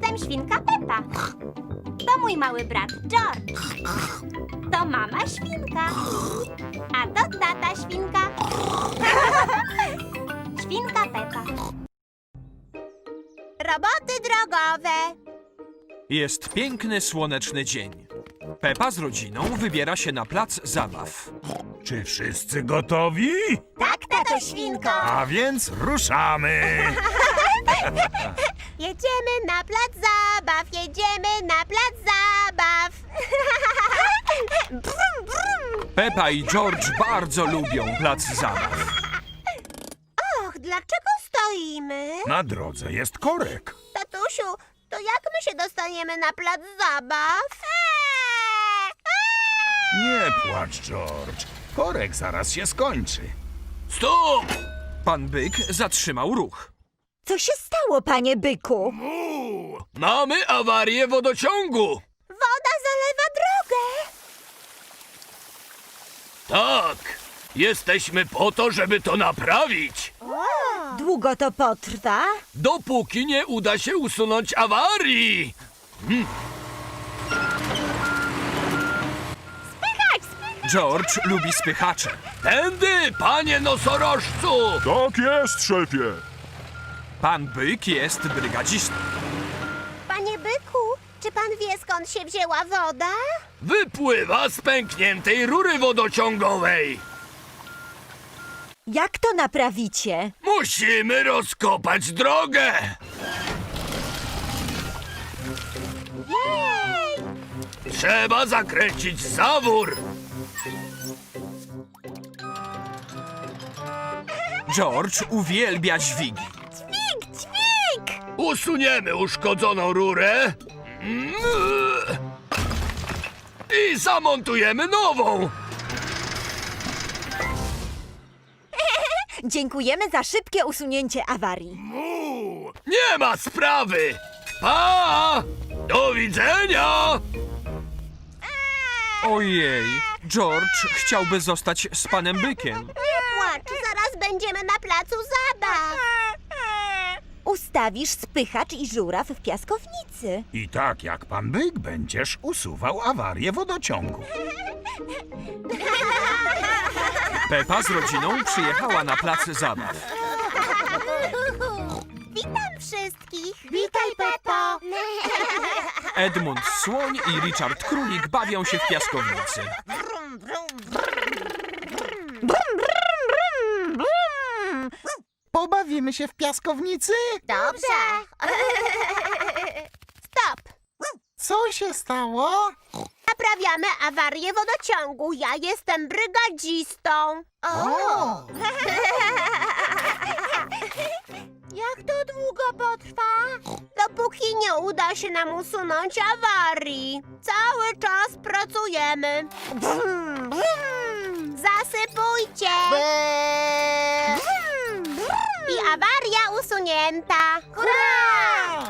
jestem świnka Pepa. To mój mały brat George. To mama świnka. A to tata świnka. Świnka Pepa. Roboty drogowe. Jest piękny, słoneczny dzień. Pepa z rodziną wybiera się na plac zabaw. Czy wszyscy gotowi? Tak, tato świnko. A więc ruszamy! Jedziemy na plac zabaw, jedziemy na plac zabaw. Brum, brum. Pepa i George bardzo lubią plac zabaw. Och, dlaczego stoimy? Na drodze jest korek. Tatusiu, to jak my się dostaniemy na plac zabaw? Nie płacz, George. Korek zaraz się skończy. Stop! Pan Byk zatrzymał ruch. Co się stało, panie byku? Mamy awarię wodociągu. Woda zalewa drogę. Tak, jesteśmy po to, żeby to naprawić. Długo to potrwa? Dopóki nie uda się usunąć awarii. George lubi spychacze. Tędy, panie nosorożcu! Tak jest, szefie. Pan Byk jest brygadzistą. Panie byku, czy pan wie, skąd się wzięła woda? Wypływa z pękniętej rury wodociągowej. Jak to naprawicie? Musimy rozkopać drogę. Jej! Trzeba zakręcić zawór. George uwielbia dźwigi. Dźwig, dźwig! Usuniemy uszkodzoną rurę i zamontujemy nową. Dziękujemy za szybkie usunięcie awarii. Nie ma sprawy. Pa! Do widzenia! Ojej, George chciałby zostać z panem Bykiem. Nie płacz, zaraz będziemy na placu zabaw. Ustawisz spychacz i żuraw w piaskownicy. I tak jak pan Byk będziesz usuwał awarię wodociągu. Pepa z rodziną przyjechała na plac zabaw. Witam wszystkich. Witaj, Pepo. Edmund Słoń i Richard Królik bawią się w piaskownicy. Pobawimy się w piaskownicy? Dobrze. Stop. Co się stało? Naprawiamy awarię wodociągu. Ja jestem brygadzistą. O! Jak to długo potrwa? Dopóki nie uda się nam usunąć awarii. Cały czas pracujemy. Brum, brum. Zasypujcie. I awaria usunięta. Hurra!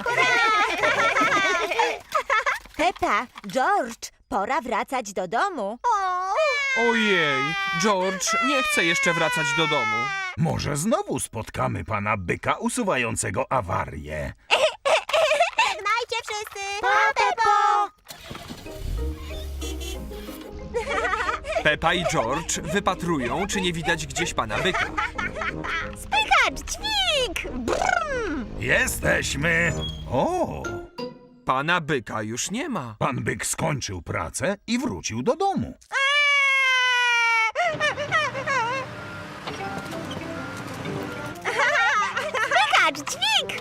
Pepa, George, pora wracać do domu. Ojej, George nie chce jeszcze wracać do domu. Może znowu spotkamy pana Byka usuwającego awarię. Żegnajcie wszyscy. Pa, Pepo! Pepa i George wypatrują, czy nie widać gdzieś pana Byka. Spychacz, dźwig! Jesteśmy! O! Pana Byka już nie ma. Pan Byk skończył pracę i wrócił do domu. Spychacz, dźwig!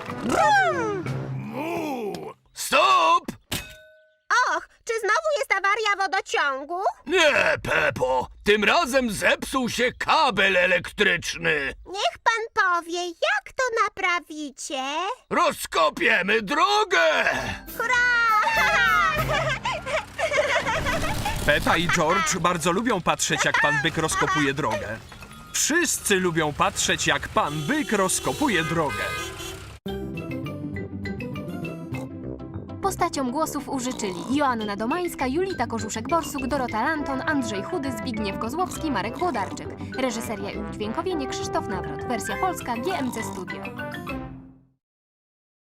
Stop! Och, czy znowu jest awaria wodociągu? Nie, Pepo, tym razem zepsuł się kabel elektryczny. Niech pan powie, jak to naprawicie? Rozkopiemy drogę! Hurra! Pepa i George bardzo lubią patrzeć, jak pan Byk rozkopuje drogę. Wszyscy lubią patrzeć, jak pan Byk rozkopuje drogę. Postaciom głosów użyczyli Joanna Domańska, Julita Korzuszek-Borsuk, Dorota Lanton, Andrzej Chudy, Zbigniew Kozłowski, Marek Włodarczyk. Reżyseria i udźwiękowienie Krzysztof Nawrot. Wersja polska GMC Studio.